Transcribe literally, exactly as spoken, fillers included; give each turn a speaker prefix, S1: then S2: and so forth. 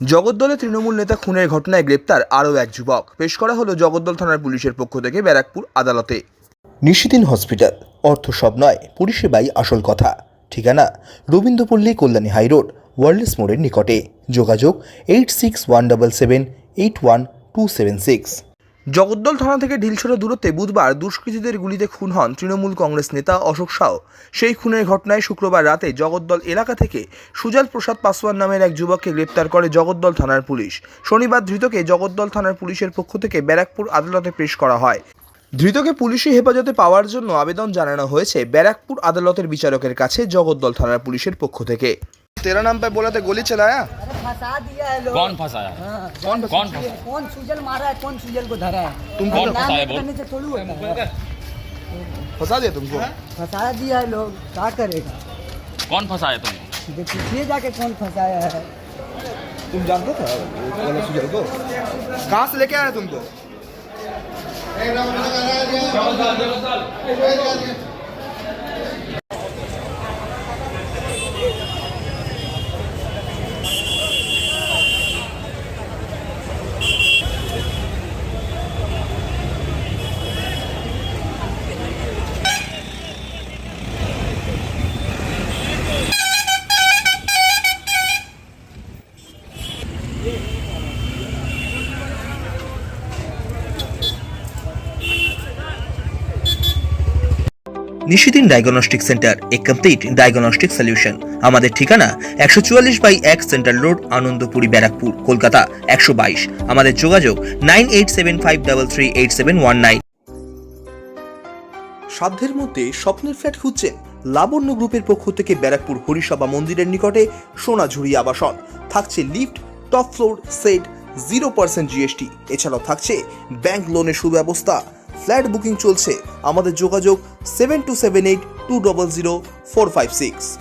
S1: জগদ্দলে তৃণমূল নেতা খুনের ঘটনায় গ্রেপ্তার আরও এক যুবক। পেশ করা হলো জগদ্দল থানার পুলিশের পক্ষ থেকে ব্যারাকপুর আদালতে।
S2: নিশিদিন হসপিটাল, অর্থ সব নয়, পরিষেবাই আসল কথা। ঠিকানা রবীন্দ্রপল্লী, কল্যাণী হাইরোড, ওয়ার্ল্ডস মোড়ের নিকটে। যোগাযোগ eight six one double seven eight one two seven six.
S1: Jagaddal থানা থেকে ঢিলছড়া দূরত্বে বুধবার দুষ্কৃতীদের গুলিতে খুন হন তৃণমূল কংগ্রেস নেতা অশোক সাউ। সেই খুনের ঘটনায় শুক্রবার রাতে জগদ্দল এলাকা থেকে সুজাল প্রসাদ পাসওয়ান নামের এক যুবককে গ্রেপ্তার করে জগদ্দল থানার পুলিশ। শনিবার ধৃতকে জগদ্দল থানার পুলিশের পক্ষ থেকে ব্যারাকপুর আদালতে পেশ করা হয়। ধৃতকে পুলিশি হেফাজতে পাওয়ার জন্য আবেদন জানানো হয়েছে ব্যারাকপুর আদালতের বিচারকের কাছে জগদ্দল থানার পুলিশের পক্ষ থেকে। तेरा नाम पे बोला था गोली चलाया?
S3: अरे फंसा दिया है लोग।
S4: कौन फंसाया?
S3: हाँ,
S4: कौन कौन फंसाया?
S3: कौन सुजल मारा है, कौन सुजल को धरा है?
S1: तुम
S4: कौन
S3: नाम
S4: फंसाया बोल?
S3: करने से थोड़ी होता है।
S1: फंसा दिया तुमको?
S3: फंसा दिया है लोग, क्या करेगा?
S4: कौन फंसाया तुमको?
S3: ये पूछिए जाके कौन फंसाया है।
S1: तुम जानते थे वाला सुजल को? कहाँ से लेके आया तुमको?
S2: Nishidin diagnostic centre, a complete diagnostic solution. আমাদের ঠিকানা একশো চুয়াল্লিশ বাই এক সেন্ট্রাল রোড, আনন্দপুরি, ব্যারাকপুর, কলকাতা একশো বাইশ। আমাদের যোগাযোগ nine eight seven five three three eight seven one nine. সাধ্যের মধ্যে স্বপ্নের ফ্ল্যাট খুঁজছেন? লাবণ্য গ্রুপের পক্ষ থেকে ব্যারাকপুর হরিসভা মন্দিরের নিকটে সোনাঝুরি আবাসন। থাকছে lift, top floor, set, zero percent GST. এছাড়াও থাকছে ব্যাংক লোনের সুব্যবস্থা। ফ্ল্যাট বুকিং চলছে। আমাদের যোগাযোগ seven two seven eight two double zero four five six.